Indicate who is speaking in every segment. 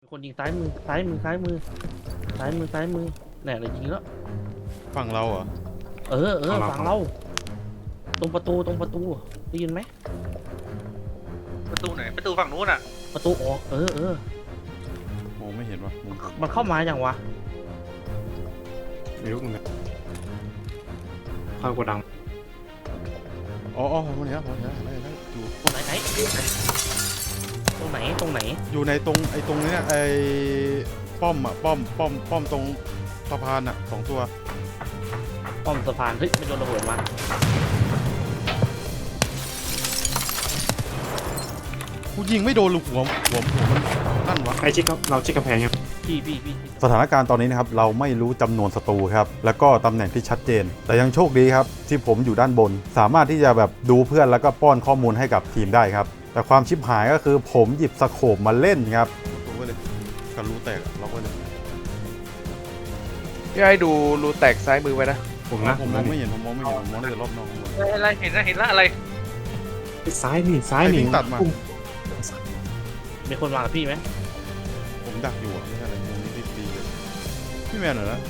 Speaker 1: คนยิงซ้ายมือซ้ายมือซ้ายมือซ้ายมือซ้ายมือแน่เลยยิงแล้ว
Speaker 2: ฝั่งเราเหรอ
Speaker 1: ฝั่งเราตรงประตูได้ยินไหม
Speaker 3: ประตูไหนประตูฝั่งนู้นอ่ะ
Speaker 1: ประตูออก
Speaker 2: มองไม่เห็นวะ
Speaker 1: มันเข้ามาอย่างวะ
Speaker 4: ไม่รู้เหมือนกันเข้ากระดัง
Speaker 2: อ๋อมันเห็นแล้วอยู่
Speaker 1: ตรงไหนตรงไหน
Speaker 2: อยู่ในตรงตรงนี้ป้อมอ่ะป้อมตรงสะพานอ่ะ2 ตัว
Speaker 1: ป้อมสะพานเฮ้ยไม่โดนระเบิดมา
Speaker 2: กูยิงไม่โดนลูกหัวมันนั่นวะ
Speaker 4: ใครชิดครับเราชิดกำแพงครับ
Speaker 1: พี่
Speaker 2: สถานการณ์ตอนนี้นะครับเราไม่รู้จำนวนศัตรูครับแล้วก็ตำแหน่งที่ชัดเจนแต่ยังโชคดีครับที่ผมอยู่ด้านบนสามารถที่จะแบบดูเพื่อนแล้วก็ป้อนข้อมูลให้กับทีมได้ครับแต่ความชิบหายก็คือผมหยิบสโคปมาเล่นครับดูไว้เลยกันรูแตกล็อกไว้เลย
Speaker 3: พี่ให้ดูรูแตกซ้ายมือไว้นะ
Speaker 2: ผมมองไม่เห็นผมมองได้แต่รอบนอก
Speaker 3: อะไรเห็นละอะไร
Speaker 4: ซ้ายนี่
Speaker 2: ตัดมา
Speaker 1: มีคนมากับพี่ไหม
Speaker 2: ผมดักอยู่ไม่ใช่อะไรมุมนี้ดีเลยพี่แมนเหรอนะ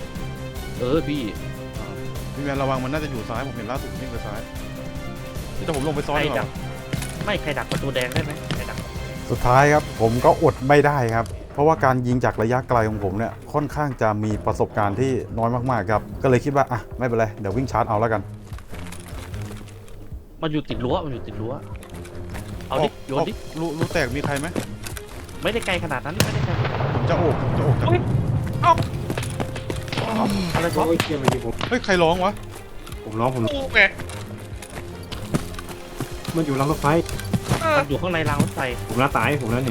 Speaker 2: พี่แมนระวังมันน่าจะอยู่ซ้ายผมเห็นล่าสุดนี่คือซ้ายแต่ผมลงไปซ้อนหรอ
Speaker 1: ไม่ใครดักประตูแดงได้ไหมใครดัก
Speaker 2: สุดท้ายครับผมก็อดไม่ได้ครับเพราะว่าการยิงจากระยะไกลของผมเนี่ยค่อนข้างจะมีประสบการณ์ที่น้อยมากๆครับก็เลยคิดว่าอ่ะไม่เป็นไรเดี๋ยววิ่งชาร์จเอาแล้วกัน
Speaker 1: มันอยู่ติดรั้วเอาดิโยนดิ
Speaker 2: รู้แตกมีใครไหม
Speaker 1: ไม่ได้ไกลขนาดนั้นไม่ได้ไกล
Speaker 2: ผมจะโอบจาก
Speaker 1: อะไรช็อต
Speaker 2: เฮ้ยใครร้องวะ
Speaker 4: ผมร้อง
Speaker 3: ไง
Speaker 4: มันอยู่รางรถไฟ
Speaker 1: มันอยู่ข้างในรางรถไฟ
Speaker 4: ผมแล้วตายผมแล้วนี่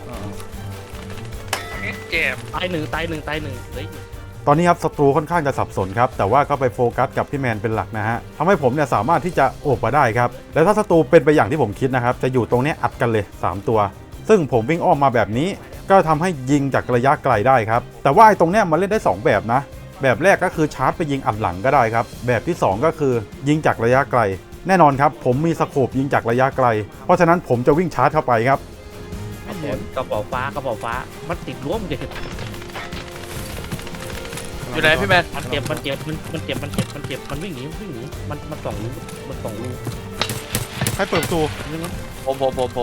Speaker 3: เจ็บ
Speaker 1: ตายหนึ่งเลย
Speaker 2: ตอนนี้ครับศัตรูค่อนข้างจะสับสนครับแต่ว่าก็ไปโฟกัสกับพี่แมนเป็นหลักนะฮะทำให้ผมเนี่ยสามารถที่จะโอบมาได้ครับและถ้าศัตรูเป็นไปอย่างที่ผมคิดนะครับจะอยู่ตรงนี้อัดกันเลย3 ตัวซึ่งผมวิ่งอ้อมมาแบบนี้ก็ทำให้ยิงจากระยะไกลได้ครับแต่ว่าไอ้ตรงเนี้ยมันเล่นได้2แบบนะแบบแรกก็คือชาร์จไปยิงอัดหลังก็ได้ครับแบบที่2ก็คือยิงจากระยะไกลแน่นอนครับผมมีสโคปยิงจากระยะไกลเพราะฉะนั้นผมจะวิ่งชาร์จเข้าไปครับ
Speaker 1: กระเป๋าฟ้ามันติดรั้วมันเด็ด
Speaker 3: อยู่ไหนพี่แมน
Speaker 1: มันเจ็บมันวิ่งหนีมันส่องรู
Speaker 2: ใครเปิดประตู
Speaker 3: ผม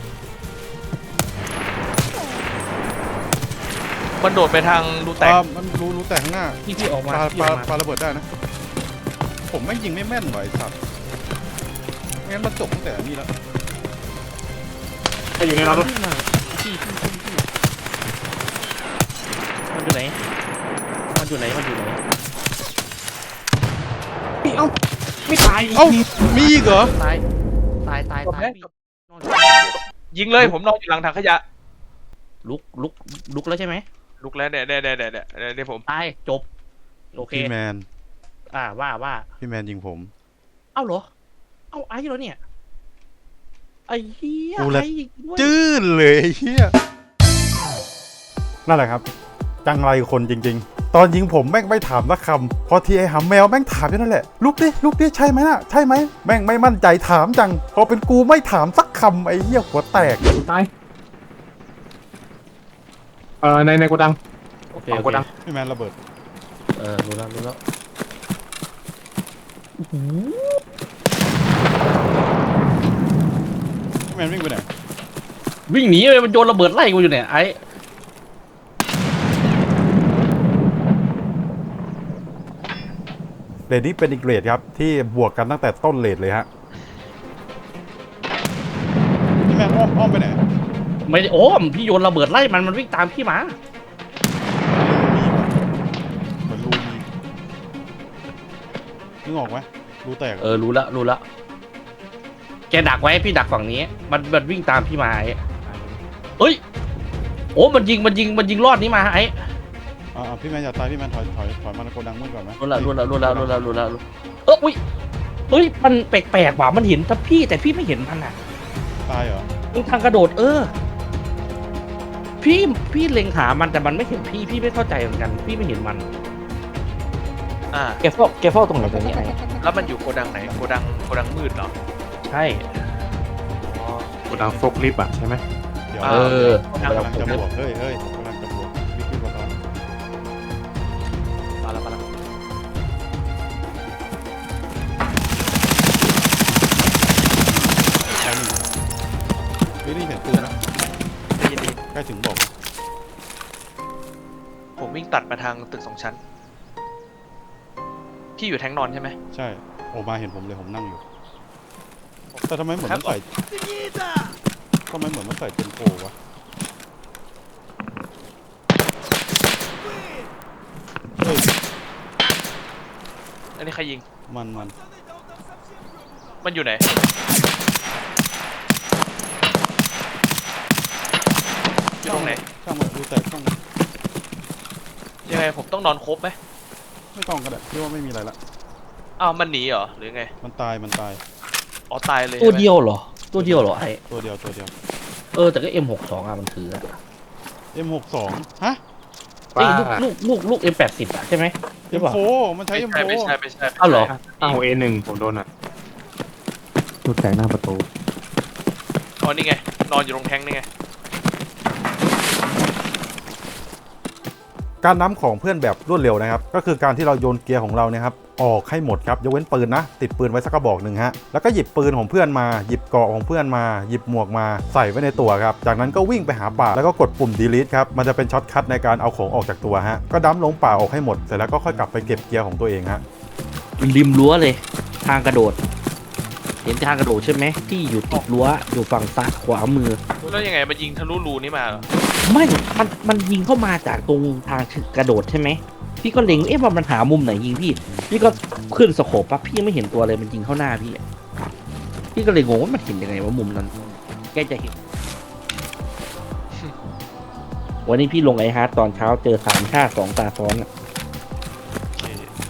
Speaker 3: มันโดดไปทางรูแตก
Speaker 2: มันรูแตกข้างหน้า
Speaker 1: ที่ออกมา
Speaker 2: ปาระเบิดได้นะผมไม่ยิงไม่แม่นไหวสัตว์งั้นมันจบตั้งแต่นี่แล้ว
Speaker 4: อยู่ในรถ
Speaker 1: พี่มันอยู่ไหน
Speaker 4: เอ้าไม่ตาย
Speaker 2: มีอีกเหรอ
Speaker 1: ตาย
Speaker 3: ยิงเลยผมนอนอยู่หลังถังขยะ
Speaker 1: ลุกแล้วใช่ไหม
Speaker 3: ลุกแล้วเนี่ยผม
Speaker 1: ตายจบโอเค
Speaker 2: พี่แมน
Speaker 1: ว่า
Speaker 2: พี่แมนยิงผม
Speaker 1: เอ้าเหรอเอ้าไอ้เหรอเนี่ยไอ้เหี้ย
Speaker 2: ไอ้จื้นเลยเหี้ยนั่นแหละครับจังไรคนจริงๆตอนยิงผมแม่งไม่ถามสักคำพอทีไอ้หำแมวแม่งถามอยู่นั่นแหละลุกดิใช่ไหมน่ะใช่ไหมแม่งไม่มั่นใจถามจังพอเป็นกูไม่ถามสักคำไอ้เหี้ยหัวแตก
Speaker 4: ตายในโกดัง
Speaker 1: โอเค
Speaker 4: โกดัง
Speaker 2: พี่แมนระเบิด
Speaker 1: รู้แล้ว
Speaker 2: พี่แมนวิ่งไปไหน
Speaker 1: วิ่งหนีเลยมันโยนระเบิดไล่กูอยู่เนี่ยไอ้
Speaker 2: เรดนี้เป็นอีกเรดครับที่บวกกันตั้งแต่ต้นเรดเลยฮะพี่แมนอ้อมไปไหน
Speaker 1: ไม่ได้พี่โยนระเบิดไล่มันวิ่งตามพี่มา
Speaker 2: เหมือนรูมีนึกออกไหมรูแตก
Speaker 1: รู้ละแกดักไว้พี่ดักฝั่งนี้มันวิ่งตามพี่มาไอ้เฮ้ยมันยิงรอดนี้มาไอ้
Speaker 2: พี่แมนอย่าตายพี่แมนถอยมาโกดังมืดก่อนไหม
Speaker 1: รู้ละเฮ้ยมันแปลกว่ะมันเห็นแต่พี่ไม่เห็นมันอ่ะ
Speaker 2: ตายเหรอ
Speaker 1: ทางกระโดดพี่เล็งหามันแต่มันไม่เห็นพี่ไม่เข้าใจเหมือนกันพี่ไม่เห็นมันแกเฝ้าตรงไหนตรงนี้ไอ้
Speaker 3: แล้วมันอยู่โกดังไหนโกดังมืดเหรอ
Speaker 1: ใช่
Speaker 4: โกดังโฟกลิฟต์อ่ะใช่ไหม
Speaker 2: เดี๋ยวกำลังจะบวกเฮ้ยล้ถึงบอกนะ
Speaker 3: ผมวิ่งตัดมาทางตึก2 ชั้นพี่อยู่แทงนอนใช่ไหม
Speaker 2: ใช่ออกมาเห็นผมเลยผมนั่งอยู่ แต่ทำไมเหมือนมันใส่ทำไมเหมือนมันใส่เป็นโปวะเฮ้ย
Speaker 3: อันนี้ใครยิง
Speaker 2: มัน
Speaker 3: มันอยู่ไหนอยู่ตรงไหน
Speaker 2: ช่างมันดูแต่ช่างมัน
Speaker 3: ยังไงผมต้องนอนครบไหม
Speaker 2: ไม่ต้องก็ได้พี่ว่าไม่มีอะไรละ
Speaker 3: อ้าวมันหนีเหรอหรือไง
Speaker 2: มันตาย
Speaker 3: อ๋อตายเลย
Speaker 1: ตัว
Speaker 3: ใช่ไหม
Speaker 1: เดียวเหรอตัวเดียวเหรอไอ้
Speaker 2: ตัวเดียว
Speaker 1: แต่ก็ M62 อ่ะมันถืออะ
Speaker 2: M62 ฮะ
Speaker 1: ไอ้ลูก M80 อ่ะใช่ไหมหรือเปล่า
Speaker 2: M4 มันใช้ M4
Speaker 3: ไม่ใช่
Speaker 1: อ้าวเหรอ
Speaker 4: A1 ผมโดนอ่ะรูดแตกหน้าประตู
Speaker 3: อ๋อนี่ไงนอนอยู่ตรงแทงนี่ไง
Speaker 2: การน้ำของเพื่อนแบบรวดเร็วนะครับก็คือการที่เราโยนเกียร์ของเราเนี่ยครับออกให้หมดครับยกเว้นปืนนะติดปืนไว้สักกระบอกหนึ่งฮะแล้วก็หยิบปืนของเพื่อนมาหยิบเกราะของเพื่อนมาหยิบหมวกมาใส่ไว้ในตัวครับจากนั้นก็วิ่งไปหาป่าแล้วก็กดปุ่ม delete ครับมันจะเป็นช็อตคัทในการเอาของออกจากตัวฮะก็ดั้มลงป่าออกให้หมดเสร็จแล้วก็ค่อยกลับไปเก็บเกียร์ของตัวเองฮะ
Speaker 1: ริมรั้วเลยทางกระโดด เห็นทางกระโดดใช่ไหมที่อยู่ติดรั้วอยู่ฝั่งซ้ายขวามือ
Speaker 3: แล้วยังไงมันยิงทะลุรูนี่มาเหรอ
Speaker 1: ไม่มันยิงเข้ามาจากตรงทางกระโดดใช่ไหมพี่ก็เล็งว่ามันหามุมไหนยิงพี่ก็ขึ้นสโคปปั๊บพี่ยังไม่เห็นตัวเลยมันยิงเข้าหน้าพี่อะพี่ก็เลยงงว่ามันเห็นยังไงว่ามุมนั้นแกจะเห็น วันนี้พี่ลงไอฮาร์ดตอนเช้าเจอ3 ชาติ 2 ตาซ้อนอะ
Speaker 3: โอเค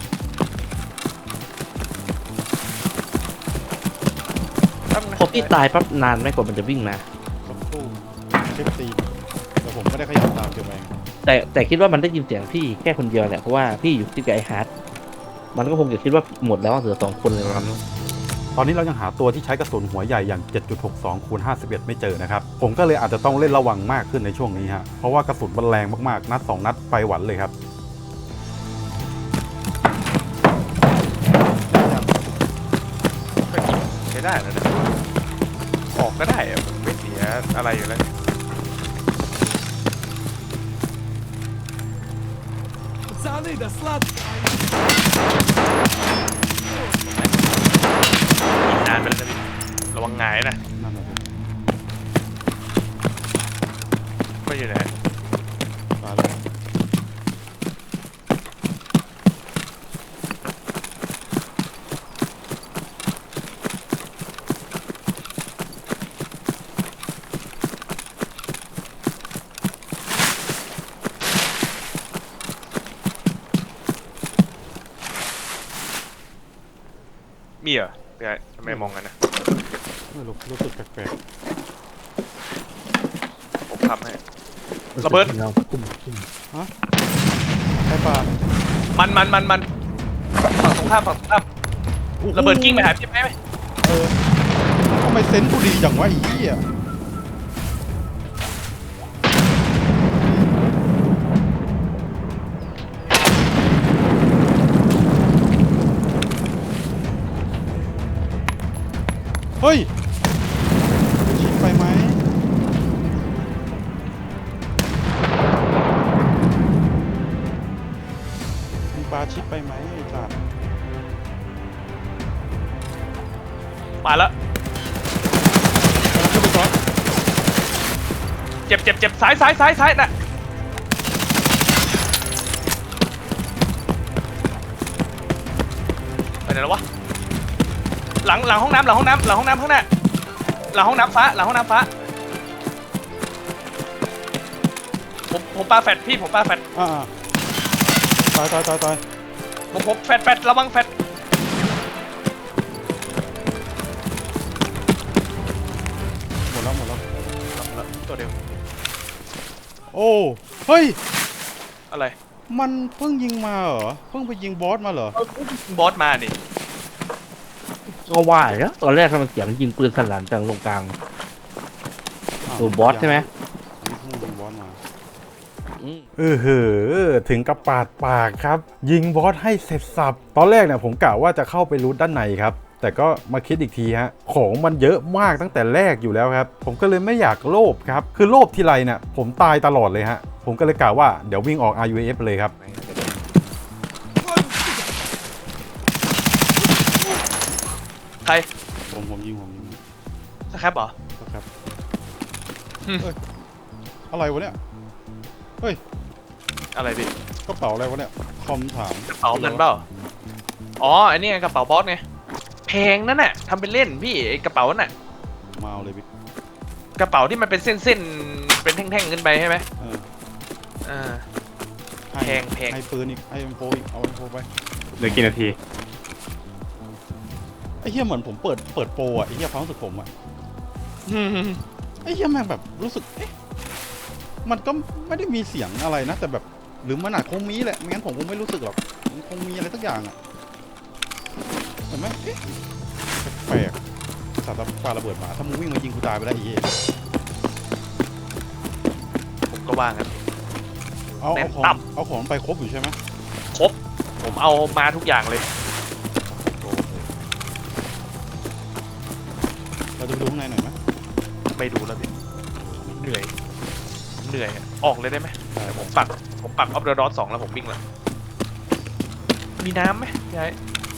Speaker 3: แป๊บนะ
Speaker 1: พอพี่ตายปั๊บนานไหมกว่ามันจะวิ่งมา
Speaker 2: สักครู่เช็คตีแต่ผมไม่ได้ขยับตามเก็บเอง
Speaker 1: แต่คิดว่ามันได้ยินเสียงพี่แค่คนเดียวแหละเพราะว่าพี่อยู่ที่กับไอฮาร์ดมันก็คงจะคิดว่าหมดแล้วเหลือ2 คนเลยมั้ง
Speaker 2: ตอนนี้เรายังหาตัวที่ใช้กระสุนหัวใหญ่อย่าง 7.62 คูณ 51 ไม่เจอนะครับ ผมก็เลยอาจจะต้องเล่นระวังมากขึ้นในช่วงนี้ฮะ เพราะว่ากระสุนมันแรงมากๆ นัด 2 นัดไปหวันเลยครับ
Speaker 3: ก็ยิงใช้ได้แล้วนะออกก็ได้อะผมไม่เสียอะไรอยู่แล้ว
Speaker 5: Пацаны, да сладко!
Speaker 3: ยิงนานไปแล้วนะพี่ระวังหงายนะ
Speaker 2: นั่นแหละสิ
Speaker 3: ไม่อยู่ไหน
Speaker 2: ตายแล้ว
Speaker 3: มีเหรอพี่ไอ้ทำไมมองกันนะ
Speaker 2: ไม่รู้สึกแปลก
Speaker 3: ผมทำให้ ระเบิด
Speaker 2: ๆใช่ป่ะ
Speaker 3: มันฝั่งตรงข้ามระเบิดกิ้งไปหาพี่ไหม
Speaker 2: เออทำไมเซนส์กูดีจังวะไอ้เหี้ยเฮ้ยชิดไปไหมมีปลาชิดไปไหมไอ้สัตว์
Speaker 3: มาแล้ว
Speaker 2: ขึ้นไปซ้อน
Speaker 3: เจ็บซ้ายน่ะไปไหนแล้ววะหลังห้องน้ำข้างหน้าหลังห้องน้ำฟ้าผมปาแฟดพี่ผมปาแฟด
Speaker 2: อ่าตาย
Speaker 3: ผมแฟดระวังแฟด
Speaker 2: หมดแล้ว
Speaker 3: ตัวเดียว
Speaker 2: โอ้เฮ้ย
Speaker 3: อะไร
Speaker 2: มันเพิ่งยิงมาเหรอเพิ่งไปยิงบอสมาเหรอ
Speaker 3: บอสมานี่
Speaker 1: ก็ว่าแล้วตอนแรกทำไมเสียงยิงปืนสลั่นจังตรงกลาง ตัวบอสใช่ไหม
Speaker 2: อันนี้เพิ่งยิงบอสมา
Speaker 1: อืม
Speaker 2: ถึงกับปาดปากครับ ยิงบอสให้เสร็จสับตอนแรกเนี่ยผมกะว่าจะเข้าไปรูทด้านในครับแต่ก็มาคิดอีกทีฮะของมันเยอะมากตั้งแต่แรกอยู่แล้วครับผมก็เลยไม่อยากโลภครับคือโลภทีไรเนี่ยผมตายตลอดเลยฮะผมก็เลยกล่าวว่าเดี๋ยววิ่งออก RUAF เลยครับ
Speaker 3: ใคร
Speaker 2: ผมยิง
Speaker 3: สครับเหรอ
Speaker 2: ครับ
Speaker 3: อืม
Speaker 2: เฮ้ยอะไรวะเนี่ยเฮ้ย
Speaker 3: อะไรพี่
Speaker 2: กระเป๋าอะไรวะเนี่ยคอมถาม
Speaker 3: กระเป๋ามันเปล่าอ๋ออันนี้ไงกระเป๋าบอสไงแพงนั่นน่ะทำเป็นเล่นพี่ไอ้กระเป๋าน่ะ
Speaker 2: มาเอาเลยพี่
Speaker 3: กระเป๋าที่มันเป็นเส้นๆเป็นแท่งๆขึ้นไปใช่ไหม
Speaker 2: เออ
Speaker 3: เออ
Speaker 2: ให้
Speaker 3: แพง
Speaker 2: ให้ปืนอีกให้M4อีกเอาM4ไป
Speaker 4: เหลือกี่นาที
Speaker 2: ไอ้เหี้ยเหมือนผมเปิดโปรอ่ะไอ้เหี้ยความรู้สึกผมอ่ะ
Speaker 3: อืม
Speaker 2: ไอ้เหี้ยแม่งแบบรู้สึกเอ๊ะมันก็ไม่ได้มีเสียงอะไรนะแต่แบบหรือมันอาจคงมีแหละไม่งั้นผมคงไม่รู้สึกหรอกมันคงมีอะไรสักอย่างอ่ะเห็นไหมเอ๊ะแปลกๆสัตว์ปาระเบิดมาถ้ามึงวิ่งมายิงกูตายไปแล้วไอ้เหี้ย
Speaker 3: ผมก็ว่างั้น
Speaker 2: เอา
Speaker 3: แน่
Speaker 2: เอา
Speaker 3: น
Speaker 2: ของ
Speaker 3: ตับ
Speaker 2: เอาของไปครบอยู่ใช่ไหม
Speaker 3: ครบผมเอามาทุกอย่างเลย
Speaker 2: โอเคเราจะไปดูข้างในหน่อยไหม
Speaker 3: ไม่ดูแล้วพี่เหนื่อยผมเหนื่อยอะออกเลยได้ไหม
Speaker 2: ได้
Speaker 3: ผมปักออฟเดอะดอท2แล้วผมวิ่งแล้วมีน้ำไหมยาย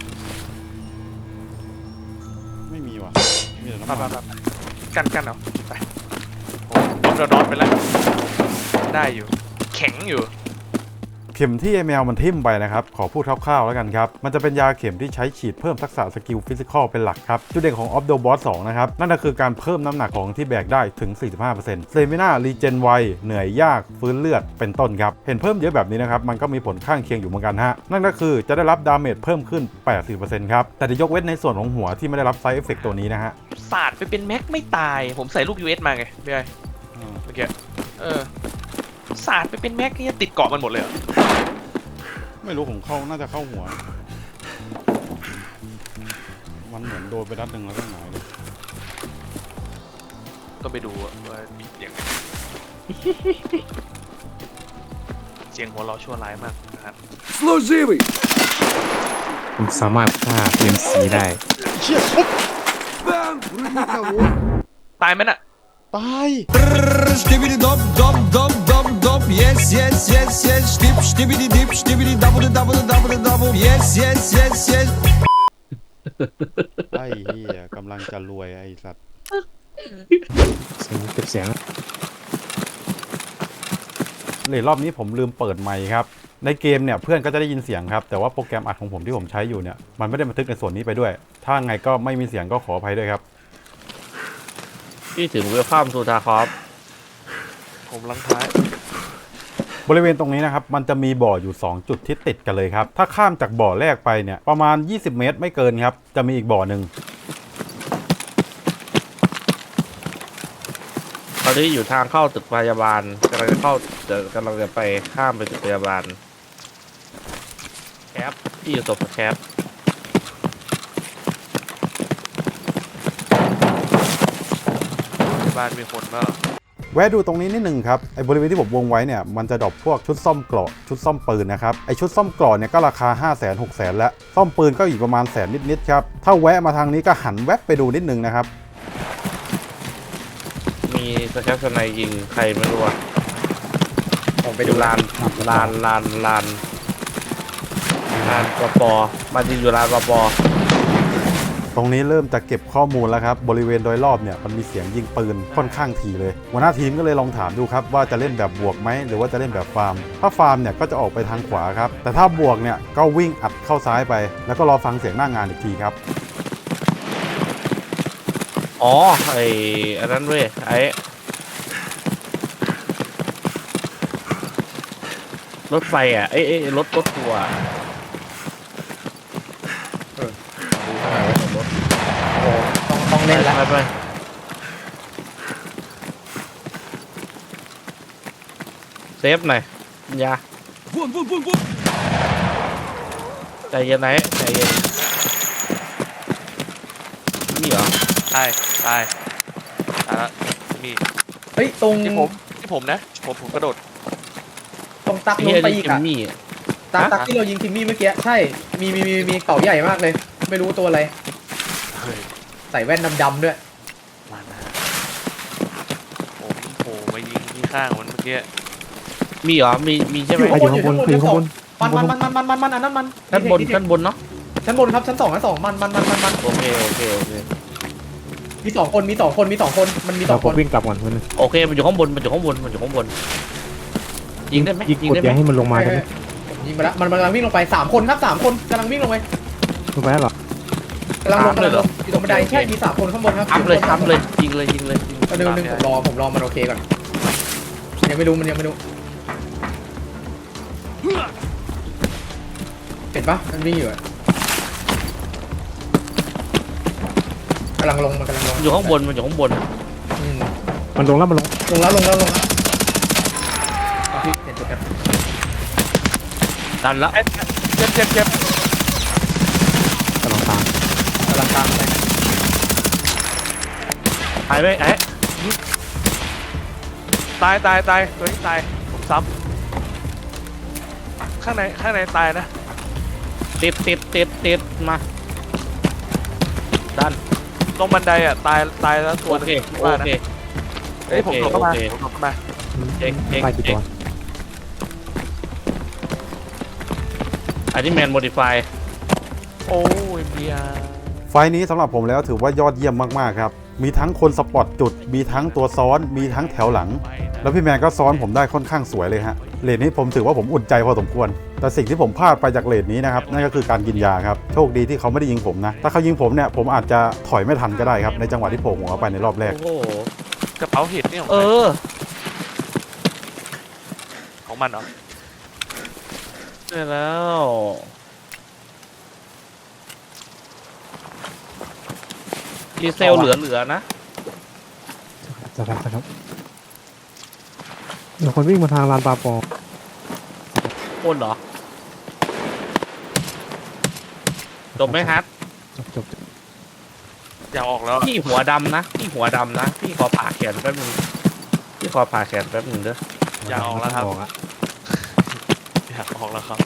Speaker 2: ไม่มีว่ะมีแต่
Speaker 3: ไป
Speaker 2: น้ำมัน
Speaker 3: กันเอาไปผมออฟเดอะดอทไปแล้วได้อยู่แข็งอยู่
Speaker 2: เข็มที่ไอแมวมันทิ่มไปนะครับขอพูดคร่าวๆแล้วกันครับมันจะเป็นยาเข็มที่ใช้ฉีดเพิ่มทักษะสกิลฟิสิกอลเป็นหลักครับจุดเด่นของ Off the Boss 2 นะครับนั่นก็คือการเพิ่มน้ำหนักของที่แบกได้ถึง 45% Stamina Regen ไวเหนื่อยยากฟื้นเลือดเป็นต้นครับเห็นเพิ่มเยอะแบบนี้นะครับมันก็มีผลข้างเคียงอยู่เหมือนกันฮะนั่นก็คือจะได้รับดาเมจเพิ่มขึ้น 80% ครับแต่จะยกเว้นในส่วนของหัวที่ไม่ได้รับไซด์เอฟเฟกต์ตัวนี้นะฮะ
Speaker 3: สาดไปเป็นแม็กไม่ตาย ผมใส่ลูก US มาไงพี่ไอ้เมื่อกี้สาดไปเป็นแม็กนี่ติดเกาะมันหมดเลยเหรอ
Speaker 2: ไม่รู้ผมเข้าน่าจะเข้าหัวมันเหมือนโดนไปนัดหนึ่งแล้วก็หงายเลย
Speaker 3: ต้องไปดูว่ามีเสียง เสียงหัวเราะชั่วร้ายมากนะครับ
Speaker 5: Служивый!
Speaker 4: ผมสามารถฆ่าเอ็มซีได้
Speaker 2: เชี่ยปุ๊บ
Speaker 5: Бам! Вроде никого.
Speaker 3: ตายไหมน่ะ
Speaker 2: ตาย
Speaker 5: Штибиди доп, доп, доп, доп, доп. Yes, yes, yes, yes. Штип, штибиди дип, штибиди дабл, дабл, дабл, дабл. Yes, yes, yes, yes.
Speaker 2: ไอ้เหี้ยกำลังจะรวยไอ้สัตว์
Speaker 4: เสียงเก็บเสียง
Speaker 2: เลยรอบนี้ผมลืมเปิดไมค์ครับในเกมเนี่ยเพื่อนก็จะได้ยินเสียงครับแต่ว่าโปรแกรมอัดของผมที่ผมใช้อยู่เนี่ยมันไม่ได้บันทึกในส่วนนี้ไปด้วย ถ้าไงก็ไม่มีเสียงก็ขออภัยด้วยครับ
Speaker 1: พี่ถึงเวลคัมทูทาคอฟ
Speaker 3: ผมลังท้าย
Speaker 2: บริเวณตรงนี้นะครับมันจะมีบ่ออยู่ 2 จุดที่ติดกันเลยครับถ้าข้ามจากบ่อแรกไปเนี่ยประมาณ20 เมตรไม่เกินครับจะมีอีกบ่อหนึ่ง
Speaker 1: ตอนนี้อยู่ทางเข้าตึกพยาบาลกำลังจะไปข้ามไปตึกพยาบาลแคปพี่อยู่ตบแคป
Speaker 3: บ้านมีคนบ้าง
Speaker 2: แวะดูตรงนี้นิดนึงครับไอ้บริเวณที่ผมวงไว้เนี่ยมันจะดรอปพวกชุดซ่อมเกราะชุดซ่อมปืนนะครับไอ้ชุดซ่อมเกราะเนี่ยก็ราคา 500,000 600,000 แล้วซ่อมปืนก็อีกประมาณ100,000นิดๆครับถ้าแวะมาทางนี้ก็หันแวบไปดูนิดนึงนะครับ
Speaker 1: มีสแคปสไนยิงใครไม่รู้อะผมไปดูลานปปมาจริงอยู่ลานปป
Speaker 2: ตรงนี้เริ่มจะเก็บข้อมูลแล้วครับบริเวณโดยรอบเนี่ยมันมีเสียงยิงปืนค่อนข้างถี่เลยหัวหน้าทีมก็เลยลองถามดูครับว่าจะเล่นแบบบวกไหมหรือว่าจะเล่นแบบฟาร์มถ้าฟาร์มเนี่ยก็จะออกไปทางขวาครับแต่ถ้าบวกเนี่ยก็วิ่งอัดเข้าซ้ายไปแล้วก็รอฟังเสียงหน้างานอีกทีครับ
Speaker 1: อ๋ออันนั้นเว้ยรถไฟอ่ะรถทัวร์ต้องเล่นแล้วไปเซฟหน่อยยา
Speaker 5: Вон, вон, вон, вон.
Speaker 1: ใจเย็นไหนใจเย็นนี่เหรอ
Speaker 3: ตายแล้วมี
Speaker 6: เฮ้ยตรง
Speaker 3: ที่ผมนะผมกระโดด
Speaker 6: ตรงตัก
Speaker 1: ไอ้
Speaker 6: นู้
Speaker 1: เหี้ย
Speaker 6: นไป
Speaker 1: นี่
Speaker 6: อีก
Speaker 1: จิม
Speaker 6: อะ
Speaker 1: มี่
Speaker 6: ตักที่เรายิงทิมมี่เมื่อกี้ใช่มีเต่าใหญ่มากเลย ไม่รู้ตัวอะไร
Speaker 3: เฮ้ย
Speaker 6: ใส่แว่นดำๆด้วย
Speaker 3: มานะผมโผล่มายิงที่ข้างมันเมื่อกี้
Speaker 1: มีเหรอมีใช่ไหม
Speaker 6: อยู่ข้างบนอยู่ข้างบนมันอันนั้นมัน
Speaker 1: ชั้นบนชั้นบนเนาะ
Speaker 6: ชั้นบนครับชั้นสองมัน
Speaker 1: โอเคโอเคโอเค
Speaker 6: มีสองคนมันมีสองคน
Speaker 7: เราผมวิ่งกลับก่อนคนนึง
Speaker 1: โอเคมันอยู่ข้างบนมันอยู่ข้างบนมันอยู่ข้างบนยิงได้ไหม
Speaker 7: ยิง
Speaker 1: ยิง
Speaker 7: กด
Speaker 1: ได้ไห
Speaker 7: อย่าม ให้มันลงมาได้ไหม
Speaker 6: ยิงไปแล้วมันกำลังวิ่งลงไป3 คนครับ3 คนกำลังวิ่งลงไป
Speaker 7: ลงไปแล้วเหรอ
Speaker 6: กำลังลงอยู่ตรงบันไดใช่มี3 คนข้างบนครับ
Speaker 1: ทำเลยยิงเลยยิงเลย
Speaker 6: เดี๋ยวนึงผมรอมันโอเคก่อนยังไม่รู้มันยังไม่รู้เห็นปะมันวิ่งอยู่กำลังลงมันกำลังลง
Speaker 1: อยู่ข้างบนมันอยู่ข้างบน
Speaker 7: มันลงแล้วมันลง
Speaker 6: ลงแล้วพี่เห็นจุดกัน
Speaker 1: ดันละ
Speaker 3: เจ็บ
Speaker 7: กำลังตาม
Speaker 6: กำลังตามไป
Speaker 1: หายไปไอ้
Speaker 3: ตายตัวนี้ตายผมซ้ำข้างในตายนะ
Speaker 1: ติดมาดัน
Speaker 3: ตรงบันไดอ่ะตายแล้วตัว
Speaker 1: โอเค
Speaker 3: นึง
Speaker 1: โอ
Speaker 3: ว่านะ
Speaker 1: เค
Speaker 3: เฮ้ยผมหลบเข้ามา
Speaker 1: โอเค
Speaker 3: ผมหลบเข้ามา
Speaker 1: เช็ค
Speaker 7: ไปกี่ตัว
Speaker 1: อันนี้แมนโมดิฟาย
Speaker 3: โอ้ยเบียร์
Speaker 2: ไฟล์นี้สำหรับผมแล้วถือว่ายอดเยี่ยมมากๆครับมีทั้งคนสปอตจุดมีทั้งตัวซ้อนมีทั้งแถวหลัง แล้วพี่แมนก็ซ้อนผมได้ค่อนข้างสวยเลยฮะเลนนี้ผมถือว่าผมอุ่นใจพอสมควร แต่สิ่งที่ผมพลาดไปจากเลนนี้นะครับนั่นก็คือการกินยาครับโชคดีที่เขาไม่ได้ยิงผมนะถ้าเขายิงผมเนี่ยผมอาจจะถอยไม่ทันก็ได้ครับในจังหวะที่โผล่หัวไปในรอบแรก
Speaker 1: โอ้โห
Speaker 3: กระเป๋าเห็ดนี่ของ
Speaker 1: เอ
Speaker 3: ใคร
Speaker 1: อ
Speaker 3: ของมันเหรอ
Speaker 1: ใช่แล้วดีเซลเหลือนะ
Speaker 7: สักครับเดี๋ยวคนวิ่งมาทางลานปลาปอ
Speaker 1: คนเหรอจบไหมฮัท
Speaker 7: จบ
Speaker 3: อยากออกแล้ว
Speaker 1: พี่หัวดำนะพี่ขอผ่าแขนแป๊บนึงเด้อ
Speaker 3: อยากออกแล้วครับ
Speaker 7: ออกอะ
Speaker 3: อยากออกแล้วครับ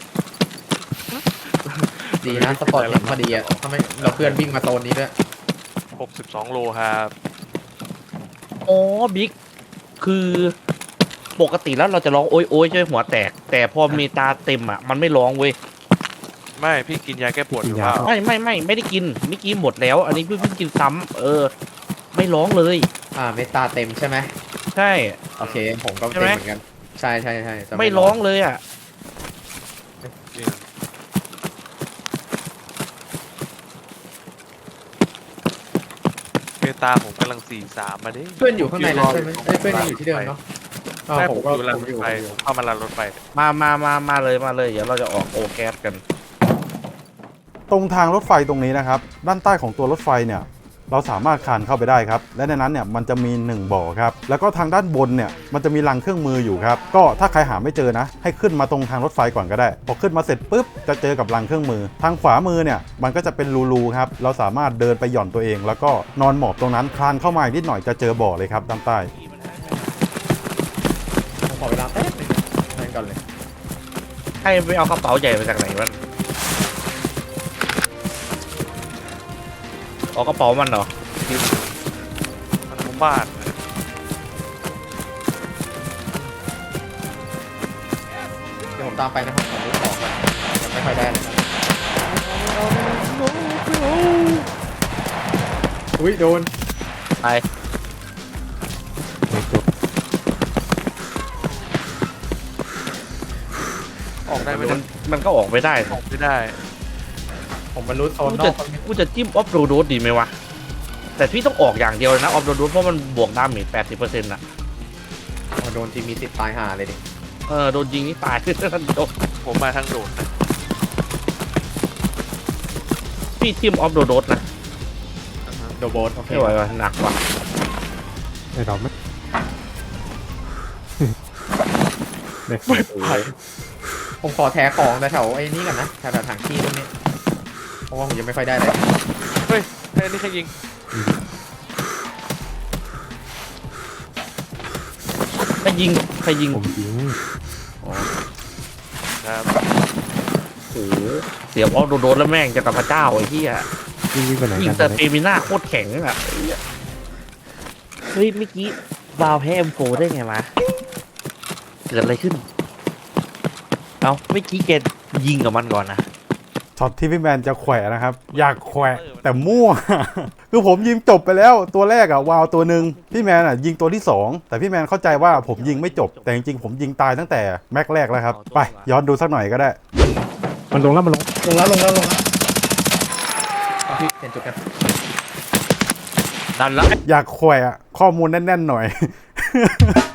Speaker 6: ดีนะสปอร์ตเห็นพอดีอ่ะทำไมเราเพื่อนวิ่งมาโซนนี้ด้วย
Speaker 3: 62 โลครับ
Speaker 1: อ๋อบิ๊กคือปกติแล้วเราจะร้องโอยใช่ไหมหัวแตก แต่พอมีตาเต็มอ่ะมันไม่ร้องเว้ย
Speaker 3: ไม่พี่กินยาแก้ปวดอยู่เปล่า
Speaker 1: ไม่ได้กินเมื่อกี้หมดแล้ว อันนี้เพิ่งกินซ้ำไม่ร้องเลย
Speaker 6: เมตาเต็มใช่ไหม
Speaker 1: ใช่
Speaker 6: โอเคผมก็
Speaker 1: ใช่
Speaker 6: เต็ม
Speaker 1: ไหม
Speaker 6: เหมือนกันใช่จะ
Speaker 1: ไม่ร้องเลยอ่ะ
Speaker 3: จริงเมตาผมกำลัง43มาดิ
Speaker 6: เพื่อนอยู่ข้างในนั้นใช่ไหมเพื่อนยังอยู่ที่เดิมเนาะ
Speaker 3: ใช่
Speaker 6: ผ
Speaker 3: ผม ม
Speaker 6: ก็
Speaker 3: อยู่รางรถไฟผมเข้ามารางรถไฟ
Speaker 1: มาเลยเดี๋ยวเราจะออกโอแก๊สกัน
Speaker 2: ตรงทางรถไฟตรงนี้นะครับด้านใต้ของตัวรถไฟเนี่ยเราสามารถคานเข้าไปได้ครับและในนั้นเนี่ยมันจะมี1บ่อครับแล้วก็ทางด้านบนเนี่ยมันจะมีรังเครื่องมืออยู่ครับก็ถ้าใครหาไม่เจอนะให้ขึ้นมาตรงทางรถไฟก่อนก็ได้พอขึ้นมาเสร็จปุ๊บจะเจอกับรังเครื่องมือ ทางขวามือเนี่ยมันก็จะเป็นรูๆครับเราสามารถเดินไปหย่อนตัวเอง แล้วก็นอนหมอบตรงนั้นคลานเข้ามาอีกนิดหน่อยจะเจอบ่อเลยครับด้านใต้
Speaker 6: ผมขอเวลาแป๊บนึงนั่นก่อนเลย
Speaker 1: ให้ไปเอากระเป๋าใหญ่มาจากไหนวะเอากระเป๋ามันเหรอ
Speaker 3: มันของบ้าน
Speaker 6: เดี๋ยวผมตามไปนะครับผมรู้ของก่อนยังไม่ค่อยได้เลยอุ้ยโดน
Speaker 1: ไป
Speaker 3: ออกได้ไหม
Speaker 1: มันก็ออกไม่ได้
Speaker 3: ออกไม่ได้
Speaker 6: ผมมันรู้โซนนอก
Speaker 1: กูจะจิ้มออฟโรดดีไหมวะแต่พี่ต้องออกอย่างเดียวเลยนะออฟโรดเพราะมันบวกดาเมจ 80%น่ะ
Speaker 6: โดนทีมีสิทธิ์ตายห่าเลยดิ
Speaker 1: โดนยิงนี่ตาย โดน
Speaker 3: ผมมาทางโดดนะ
Speaker 1: พี่จิ้มออฟโรดนะ
Speaker 6: โดโบสโอเค
Speaker 1: ไม่ไหวว่ะหนักว่ะ
Speaker 7: ไอ้เราไม่เด็ก
Speaker 6: ผมขอแท้ของแต่แถวไอ้นี่ก่อนนะแถวถังขี้ตรงนี้เพราะว่าผมยังไม่ค่อยได้เลย
Speaker 3: เฮ้ยไอ้นี่ใครยิง
Speaker 1: ใครยิง
Speaker 7: ผมยิง
Speaker 3: ครับ
Speaker 1: โอ้โหเสียบออฟโรดแล้วแม่งจะกับพระเจ้าไอ้เหี้ย
Speaker 7: วิ่งไปไหน
Speaker 1: ยิง
Speaker 7: กัน
Speaker 1: แต่เตมิน่าโคตรแข็งอ่ะเฮ้ยเมื่อกี้วาวแพ้ M4 ได้ไงวะเกิดอะไรขึ้นเอ้าเมื่อกี้แกยิงกับมันก่อนนะ
Speaker 2: ช็อตที่พี่แมนจะแขวะนะครับ อยากแขวะแต่มั่ว คือผมยิงจบไปแล้วตัวแรกอะวาวตัวหนึ่งพี่แมนอะยิงตัวที่ 2 แต่พี่แมนเข้าใจว่าผมยิงไม่จบ แต่จริงๆผมยิงตายตั้งแต่แม็กแรกแล้วครับ ไปย้อนดูสักหน่อยก็ได้
Speaker 7: มันลงแล้วมันลง
Speaker 6: ลงแล้วเอาพี่เปลี่ยนจุดกัน
Speaker 1: ดันแล้ว
Speaker 2: อยากแขวะข้อมูลแน่นๆหน่อย